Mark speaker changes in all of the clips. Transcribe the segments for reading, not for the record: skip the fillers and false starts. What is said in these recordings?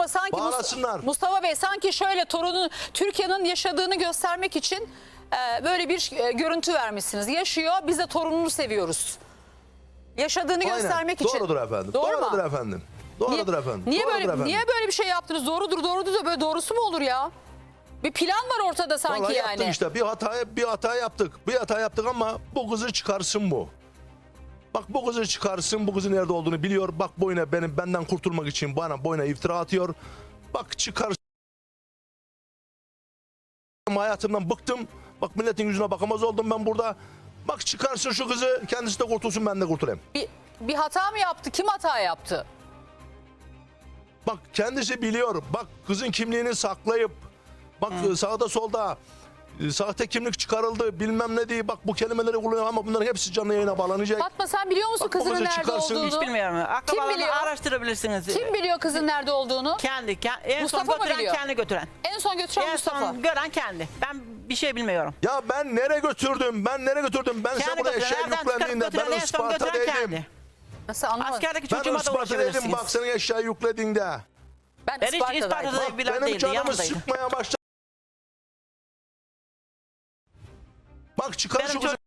Speaker 1: Fatma sanki
Speaker 2: Bağlasınlar.
Speaker 1: Mustafa Bey sanki şöyle torunun Türkiye'nin yaşadığını göstermek için böyle bir görüntü vermişsiniz. Yaşıyor, biz de torununu seviyoruz. Yaşadığını
Speaker 2: Aynen.
Speaker 1: göstermek için.
Speaker 2: Doğrudur efendim.
Speaker 1: Doğru mu?
Speaker 2: Doğrudur efendim. Doğrudur efendim.
Speaker 1: Niye
Speaker 2: Doğrudur
Speaker 1: böyle
Speaker 2: efendim.
Speaker 1: niye böyle bir şey yaptınız? Doğrudur da böyle doğrusu mu olur ya? Bir plan var ortada sanki
Speaker 2: Vallahi
Speaker 1: yani.
Speaker 2: yaptık işte. Bir hata yaptık. Bir hata yaptık ama bu kızı çıkarsın bu. Bak bu kızı çıkarsın. Bu kızın nerede olduğunu biliyor. Bak boyuna benden kurtulmak için boyuna iftira atıyor. Bak çıkarsın. Hayatımdan bıktım. Bak milletin yüzüne bakamaz oldum ben burada. Bak çıkarsın şu kızı. Kendisi de kurtulsun, ben de kurtulayım.
Speaker 1: Bir hata mı yaptı? Kim hata yaptı?
Speaker 2: Bak kendisi biliyor. Bak kızın kimliğini saklayıp bak sağda solda sahte kimlik çıkarıldı bilmem ne diye bak bu kelimeleri kullanıyor ama bunların hepsi canlı yayına bağlanacak.
Speaker 1: Fatma sen biliyor musun
Speaker 2: Bak, bu
Speaker 1: kızının
Speaker 2: kızı
Speaker 1: nerede
Speaker 2: çıkarsın.
Speaker 1: olduğunu?
Speaker 3: Hiç bilmiyorum.
Speaker 1: biliyor?
Speaker 3: Akrabalarını araştırabilirsiniz.
Speaker 1: Kim biliyor kızın nerede olduğunu?
Speaker 3: Kendi. En
Speaker 1: Mustafa
Speaker 3: son
Speaker 1: mı
Speaker 3: götüren
Speaker 1: biliyor?
Speaker 3: kendi götüren.
Speaker 1: En son götüren
Speaker 3: En
Speaker 1: Mustafa.
Speaker 3: son gören kendi. Ben bir şey bilmiyorum.
Speaker 2: Ya ben nereye götürdüm? Ben size
Speaker 3: Kendi
Speaker 2: burada
Speaker 3: götüren,
Speaker 2: eşeğe
Speaker 3: evden çıkarıp
Speaker 2: yüklendiğinde
Speaker 3: götüren,
Speaker 2: ben
Speaker 3: en son
Speaker 2: Isparta'daydım.
Speaker 3: götüren kendi.
Speaker 1: Nasıl anlamadım?
Speaker 3: Askerdeki
Speaker 2: Ben
Speaker 3: çocuğuma da
Speaker 2: Isparta'daydım.
Speaker 3: ulaşabilirsiniz.
Speaker 2: Bak senin eşeği yüklediğinde.
Speaker 1: Ben
Speaker 3: Ben hiç
Speaker 1: Isparta'daydım.
Speaker 3: Isparta'da
Speaker 2: Bak
Speaker 3: bilen
Speaker 2: benim
Speaker 3: değildi,
Speaker 2: canımı
Speaker 3: yanımdaydı.
Speaker 2: sıkmaya başladı. Bak çıkar
Speaker 3: Benim
Speaker 2: şu kızı.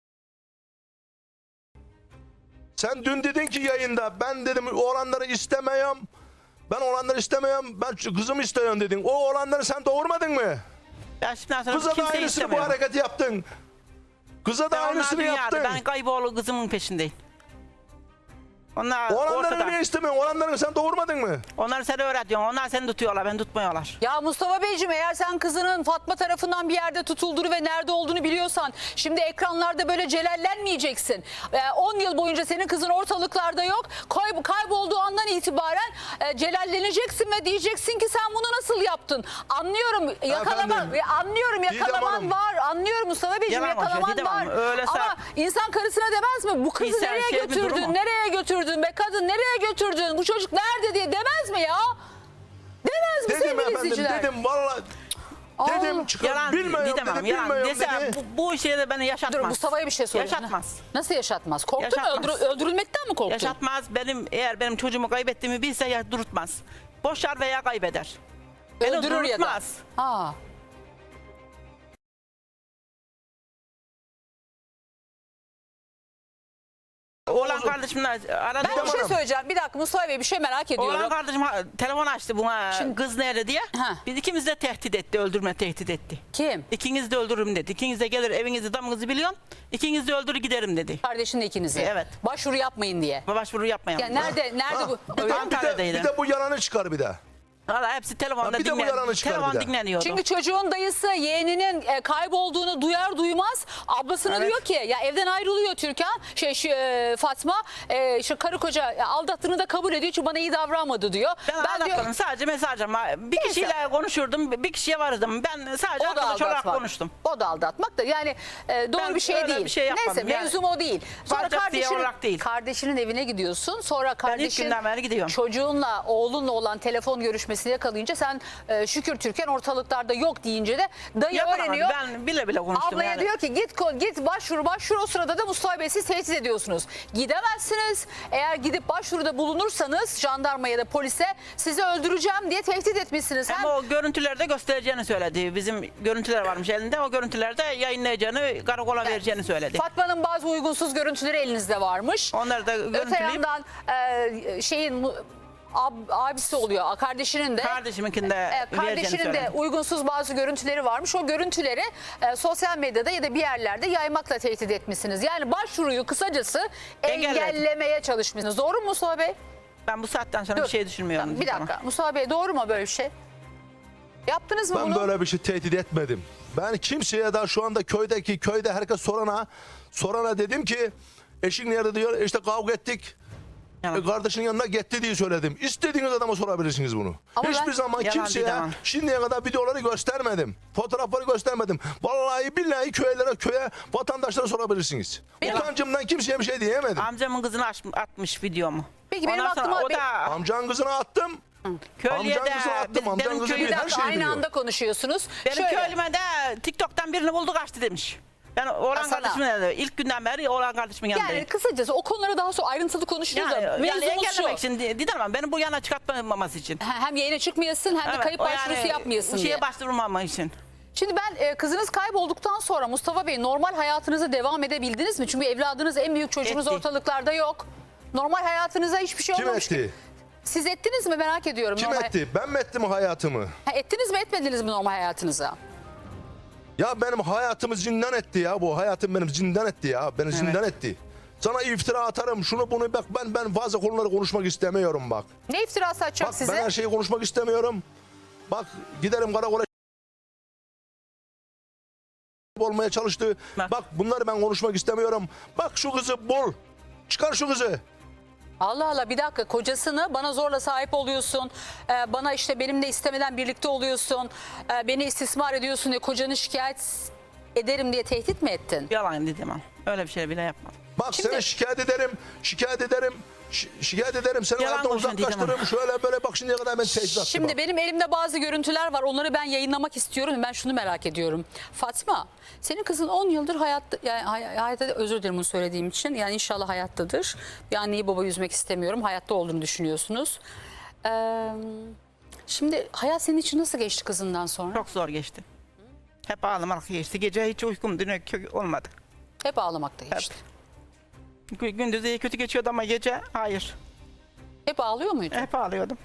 Speaker 2: Sen dün dedin ki yayında ben dedim oğlanları istemiyorum. Ben oğlanları istemiyorum. Ben kızımı istiyorum dedin. O oğlanları sen doğurmadın mı?
Speaker 3: Ben şimdiden sonra
Speaker 2: Kıza da
Speaker 3: kimseyi
Speaker 2: aynısını bu
Speaker 3: istemiyorum.
Speaker 2: hareketi yaptın. Kıza da
Speaker 3: Onlar
Speaker 2: aynısını
Speaker 3: dünyada.
Speaker 2: yaptın.
Speaker 3: Ben kayboğlu kızımın peşindeyim. Onlar
Speaker 2: Oğlanları
Speaker 3: ortada.
Speaker 2: niye istemiyorsun? Oğlanları sen doğurmadın mı?
Speaker 3: Onlar seni öğretiyorsun. Onlar seni tutuyorlar. Ben tutmuyorlar.
Speaker 1: Ya Mustafa Beyciğim eğer sen kızının Fatma tarafından bir yerde tutulduğunu ve nerede olduğunu biliyorsan şimdi ekranlarda böyle celallenmeyeceksin. 10 yıl boyunca senin kızın ortalıklarda yok. Kaybolduğu andan itibaren celalleneceksin ve diyeceksin ki sen bunu nasıl yaptın? Anlıyorum yakalaman,
Speaker 2: Efendim,
Speaker 1: anlıyorum yakalaman
Speaker 2: Hanım.
Speaker 1: var. Anlıyorum Mustafa Beyciğim
Speaker 3: Yalan konuşuyor,
Speaker 1: yakalaman
Speaker 3: Didem
Speaker 1: var.
Speaker 3: Hanım. Öyle
Speaker 1: Ama insan karısına demez mi? Bu kızı
Speaker 3: İnsan
Speaker 1: nereye
Speaker 3: şey bir durum
Speaker 1: götürdün?
Speaker 3: o.
Speaker 1: Nereye götürdün be kadın? Nereye götürdün? Bu çocuk nerede diye demez mi ya? Demez mi
Speaker 2: Dedim
Speaker 1: sevgili
Speaker 2: efendim
Speaker 1: izleyiciler?
Speaker 2: dedim vallahi. Dedim çıkar.
Speaker 3: Yalan
Speaker 2: Bilmiyorum
Speaker 3: Didem
Speaker 2: dedi.
Speaker 3: Hanım,
Speaker 2: Bilmiyorum
Speaker 3: yalan.
Speaker 2: dedi.
Speaker 3: Dese bu işe de beni yaşatmaz.
Speaker 1: Dur Mustafa'ya bir şey sorayım.
Speaker 3: Yaşatmaz.
Speaker 1: Nasıl yaşatmaz? Korktun mu?
Speaker 3: Yaşatmaz.
Speaker 1: Öldürülmekten mi korktun?
Speaker 3: Yaşatmaz. Eğer benim çocuğumu kaybettiğimi bilse ya durutmaz. Boşar veya kaybeder. Beni
Speaker 1: Öldürür ya da.
Speaker 3: durutmaz.
Speaker 1: Ha.
Speaker 3: Oğlan kardeşimle aradı.
Speaker 1: Ben bir şey söyleyeceğim. Bir dakika Mustafa Bey bir şey merak ediyorum.
Speaker 3: Oğlan kardeşim telefon açtı buna kız nerede diye.
Speaker 1: Ha.
Speaker 3: Biz ikimiz de tehdit etti, öldürme tehdit etti.
Speaker 1: Kim?
Speaker 3: İkiniz de öldürürüm dedi. İkiniz de gelir evinizi damınızı biliyorum. İkiniz de öldürür giderim dedi.
Speaker 1: Kardeşinle ikinizi.
Speaker 3: Evet.
Speaker 1: Başvuru yapmayın diye.
Speaker 3: Başvuru yapmayalım.
Speaker 1: Ya nerede bu?
Speaker 3: Ankara'daydı.
Speaker 2: Bir de bu yalanı çıkar bir de.
Speaker 3: Valla hepsi telefonda
Speaker 2: bir de bu yalanı çıkar bir
Speaker 3: telefon
Speaker 2: de.
Speaker 3: dinleniyordu.
Speaker 1: Çünkü çocuğun dayısı yeğeninin kaybolduğunu duyar duymaz ablasına
Speaker 3: Evet.
Speaker 1: diyor ki ya evden ayrılıyor Türkan Fatma şu karı koca aldattığını da kabul ediyor çünkü bana iyi davranmadı diyor.
Speaker 3: Ben aldatmadım, sadece mesaj ama bir
Speaker 1: Neyse.
Speaker 3: kişiyle konuşurdum, bir kişiye vardım. Ben sadece
Speaker 1: O da
Speaker 3: arkadaş olarak
Speaker 1: aldatmak.
Speaker 3: konuştum.
Speaker 1: O da aldatmak da yani doğru
Speaker 3: Ben
Speaker 1: bir şey
Speaker 3: öyle
Speaker 1: değil.
Speaker 3: bir şey yapmadım
Speaker 1: Neyse
Speaker 3: yani.
Speaker 1: mevzum o değil. Sonra
Speaker 3: Bacak diye olarak değil.
Speaker 1: kardeşinin evine gidiyorsun. Sonra kardeşin
Speaker 3: günden beri gidiyorum.
Speaker 1: çocuğunla oğlunla olan telefon görüşmesini yakalayınca sen şükür Türkan ortalıklarda yok deyince de dayı
Speaker 3: Yapamadım.
Speaker 1: öğreniyor.
Speaker 3: Ben bile bile konuştum
Speaker 1: Ablaya
Speaker 3: yani.
Speaker 1: diyor ki git başvur o sırada da Mustafa Bey siz tehdit ediyorsunuz. Gidemezsiniz. Eğer gidip başvuruda bulunursanız jandarmaya da polise sizi öldüreceğim diye tehdit etmişsiniz.
Speaker 3: Hem o görüntülerde göstereceğini söyledi. Bizim görüntüler varmış elinde. O görüntülerde yayınlayacağını, karakola vereceğini söyledi.
Speaker 1: Fatma'nın bazı uygunsuz görüntüleri elinizde varmış.
Speaker 3: Onları da
Speaker 1: Öte
Speaker 3: görüntüleyip
Speaker 1: yandan abisi oluyor kardeşinin de
Speaker 3: kardeşiminkinde vereceğini
Speaker 1: kardeşinin de
Speaker 3: söyledi.
Speaker 1: uygunsuz bazı görüntüleri varmış. O görüntüleri sosyal medyada ya da bir yerlerde yaymakla tehdit etmişsiniz. Yani başvuruyu kısacası
Speaker 3: Engelledim.
Speaker 1: engellemeye çalışmışsınız. Doğru mu Mustafa Bey?
Speaker 3: Ben bu saatten sonra
Speaker 1: Dur.
Speaker 3: bir şey düşünmüyorum.
Speaker 1: Tamam, bir dakika. Mustafa Bey doğru mu böyle bir şey? Yaptınız mı
Speaker 2: Ben
Speaker 1: bunu?
Speaker 2: böyle bir şey tehdit etmedim. Ben kimseye daha şu anda köyde herkes sorana dedim ki eşin nerede diyor. İşte kavga ettik.
Speaker 3: Yalan.
Speaker 2: Kardeşinin yanına gitti diye söyledim. İstediğiniz adama sorabilirsiniz bunu.
Speaker 1: Ama
Speaker 2: Hiçbir
Speaker 1: ben-
Speaker 2: zaman
Speaker 3: Yalan
Speaker 2: kimseye
Speaker 3: Didem Hanım.
Speaker 2: şimdiye kadar videoları göstermedim. Fotoğrafları göstermedim. Vallahi billahi köye vatandaşlara sorabilirsiniz.
Speaker 1: Benim-
Speaker 2: Utancımdan kimseye bir şey diyemedim.
Speaker 3: Amcamın kızını atmış videomu.
Speaker 1: Peki, benim
Speaker 3: Ondan sonra
Speaker 1: aklıma-
Speaker 3: o da
Speaker 2: Amcanın kızını attım.
Speaker 3: köylüye
Speaker 2: amcanın kızını attım, amcanın
Speaker 3: benim
Speaker 2: kızı
Speaker 1: Bir
Speaker 2: bir her
Speaker 1: dakika
Speaker 2: şeyi
Speaker 1: aynı
Speaker 2: biliyor.
Speaker 1: anda konuşuyorsunuz.
Speaker 3: benim
Speaker 1: Şöyle,
Speaker 3: köylüme de TikTok'tan birini buldu kaçtı demiş. Ben oğlan
Speaker 1: Hasan'a.
Speaker 3: kardeşimin yanında. İlk günden beri oğlan kardeşimin yanındayım.
Speaker 1: Yani kısacası o konuları daha sonra ayrıntılı konuşuruz da
Speaker 3: Yani
Speaker 1: mevzumuz şu.
Speaker 3: engellemek için Didem Hanım beni bu yana çıkartmaması için.
Speaker 1: Hem yayına çıkmayasın hem de kayıp başvurusu yapmayasın diye.
Speaker 3: Şeye başvurmama için.
Speaker 1: Şimdi ben kızınız kaybolduktan sonra Mustafa Bey normal hayatınıza devam edebildiniz mi? Çünkü evladınız en büyük çocuğunuz
Speaker 3: Etti.
Speaker 1: ortalıklarda yok. Normal hayatınıza hiçbir şey
Speaker 2: Kim
Speaker 1: olmamış.
Speaker 2: etti?
Speaker 1: Siz ettiniz mi merak ediyorum.
Speaker 2: Kim
Speaker 1: normal...
Speaker 2: etti? Ben mi ettim hayatımı?
Speaker 1: Ha, ettiniz mi etmediniz mi normal hayatınıza?
Speaker 2: Ya benim hayatımı zindan etti ya. Bu hayatım benim zindan etti ya. Beni zindan etti. Sana iftira atarım şunu bunu bak ben fazla konuları konuşmak istemiyorum bak.
Speaker 1: Ne iftirası atacak
Speaker 2: Bak
Speaker 1: size?
Speaker 2: ben her şeyi konuşmak istemiyorum. Bak giderim karakola olmaya çalıştı. Bak bunları ben konuşmak istemiyorum. Bak şu kızı bul. Çıkar şu kızı.
Speaker 1: Allah Allah bir dakika kocasını bana zorla sahip oluyorsun. Bana işte benimle istemeden birlikte oluyorsun. Beni istismar ediyorsun diye kocanı şikayet ederim diye tehdit mi ettin?
Speaker 3: Yalan Didem Hanım. Öyle bir şey bile yapmadım.
Speaker 2: Bak
Speaker 1: Şimdi-
Speaker 2: seni şikayet ederim. Şikayet ederim. Şikayet ederim. Seni
Speaker 3: Yalan
Speaker 2: hayattan
Speaker 3: konuşuyorsun Didem
Speaker 2: uzaklaştırırım. Şöyle böyle bak şimdiye kadar ben tehdit attım.
Speaker 1: Şimdi
Speaker 2: bak.
Speaker 1: benim elimde bazı görüntüler var. Onları ben yayınlamak istiyorum. Ben şunu merak ediyorum. Fatma, senin kızın 10 yıldır hayatta, yani hayatta özür dilerim bunu söylediğim için. Yani inşallah hayattadır. Bir anneyi baba üzmek istemiyorum. Hayatta olduğunu düşünüyorsunuz. Şimdi hayat senin için nasıl geçti kızından sonra?
Speaker 3: Çok zor geçti. Hep ağlamak geçti. Gece hiç uykum olmadı.
Speaker 1: Hep ağlamakta geçti.
Speaker 3: Gündüz iyi kötü geçiyordu ama gece hayır.
Speaker 1: Hep ağlıyor muydu?
Speaker 3: Hep ağlıyordum.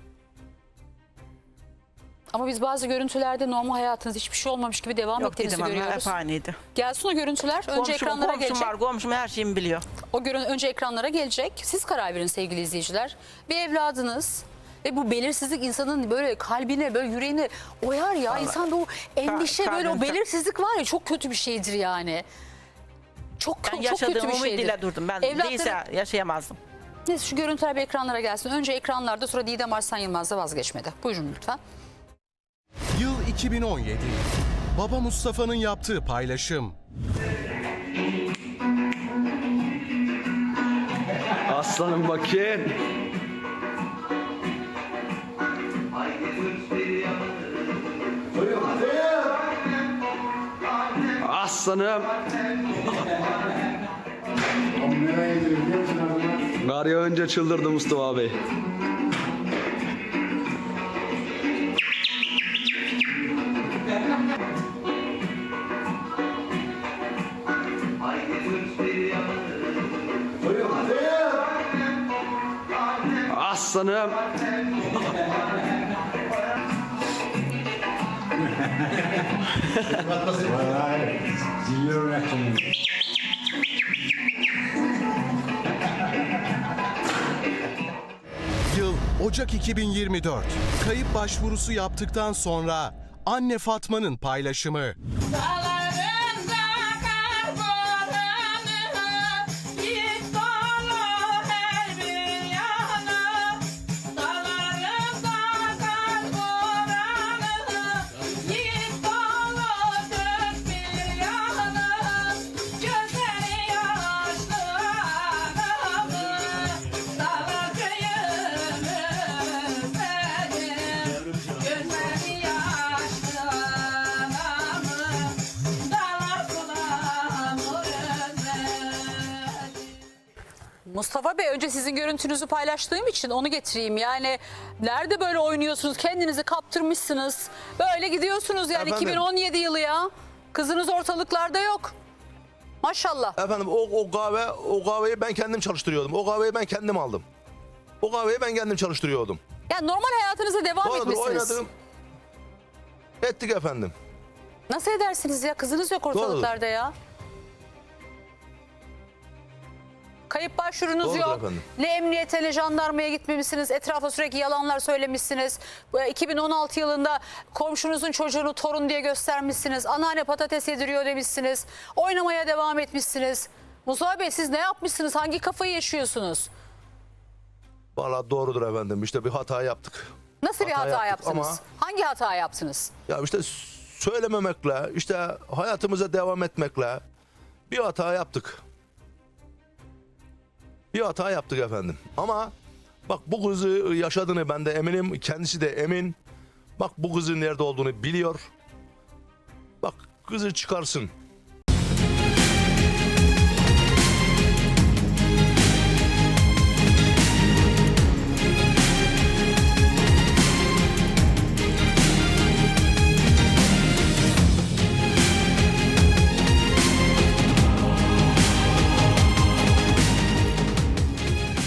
Speaker 1: Ama biz bazı görüntülerde normal hayatınız hiçbir şey olmamış gibi devam
Speaker 3: Yok
Speaker 1: ettiğinizi
Speaker 3: Didem Hanım
Speaker 1: görüyoruz.
Speaker 3: hep aynıydı.
Speaker 1: Gelsin o görüntüler. Önce ekranlara
Speaker 3: komşum
Speaker 1: gelecek.
Speaker 3: var, komşum her şeyimi biliyor.
Speaker 1: Önce ekranlara gelecek. Siz karar verin sevgili izleyiciler. Bir evladınız ve bu belirsizlik insanın böyle kalbine, böyle yüreğine oyar ya. İnsanda o endişe, böyle o
Speaker 3: kalbim çok-
Speaker 1: belirsizlik var ya çok kötü bir şeydir yani. Çok
Speaker 3: Ben
Speaker 1: çok
Speaker 3: yaşadığım
Speaker 1: kötü bir şeydir.
Speaker 3: umuduyla durdum. Ben değilse yaşayamazdım.
Speaker 1: Neyse şu görüntüler bir ekranlara gelsin. Önce ekranlarda sonra Didem Arslan Yılmaz da vazgeçmedi. Buyurun lütfen.
Speaker 4: Yıl 2017. Baba Mustafa'nın yaptığı paylaşım.
Speaker 5: Aslanım bakayım. Aslanım. Kar yağınca çıldırdı Mustafa Bey. Aslanım.
Speaker 4: Yıl Ocak 2024. Kayıp başvurusu yaptıktan sonra anne Fatma'nın paylaşımı.
Speaker 6: Dağlarında kar boranı, git dolu her bir yana. Dağlarında kar boranı, git dolu dört bir yana. Gözleri yaşlı anamı, dağlar köyümüz benim. Gözleri yaşlı anamı, dağlar sulamur özledim.
Speaker 1: Mustafa Bey önce sizin görüntünüzü paylaştığım için onu getireyim. Yani nerede böyle oynuyorsunuz? Kendinizi kaptırmışsınız. Böyle gidiyorsunuz yani
Speaker 2: Efendim?
Speaker 1: 2017 yılı ya. Kızınız ortalıklarda yok. Maşallah.
Speaker 2: Efendim o kahveyi ben kendim çalıştırıyordum. O kahveyi ben kendim aldım. O kahveyi ben kendim çalıştırıyordum.
Speaker 1: Yani normal hayatınıza devam
Speaker 2: Doğrudur
Speaker 1: etmişsiniz.
Speaker 2: oynadım. Ettik efendim.
Speaker 1: Nasıl edersiniz ya? Kızınız yok ortalıklarda ya. Kayıp başvurunuz
Speaker 2: Doğrudur
Speaker 1: yok.
Speaker 2: efendim.
Speaker 1: Ne emniyete ne jandarmaya gitmemişsiniz. Etrafa sürekli yalanlar söylemişsiniz. Bu 2016 yılında komşunuzun çocuğunu torun diye göstermişsiniz. Anneanne patates yediriyor demişsiniz. Oynamaya devam etmişsiniz. Mustafa Bey siz ne yapmışsınız? Hangi kafayı yaşıyorsunuz?
Speaker 2: Vallahi doğrudur efendim. İşte bir hata yaptık.
Speaker 1: Nasıl bir hata
Speaker 2: yaptık
Speaker 1: yaptınız?
Speaker 2: ama-
Speaker 1: Hangi hata yaptınız?
Speaker 2: Ya işte söylememekle, işte hayatımıza devam etmekle bir hata yaptık. Bir hata yaptık efendim. Ama bak bu kızı yaşadığını ben de eminim. Kendisi de emin. Bak bu kızın nerede olduğunu biliyor. Bak kızı çıkarsın.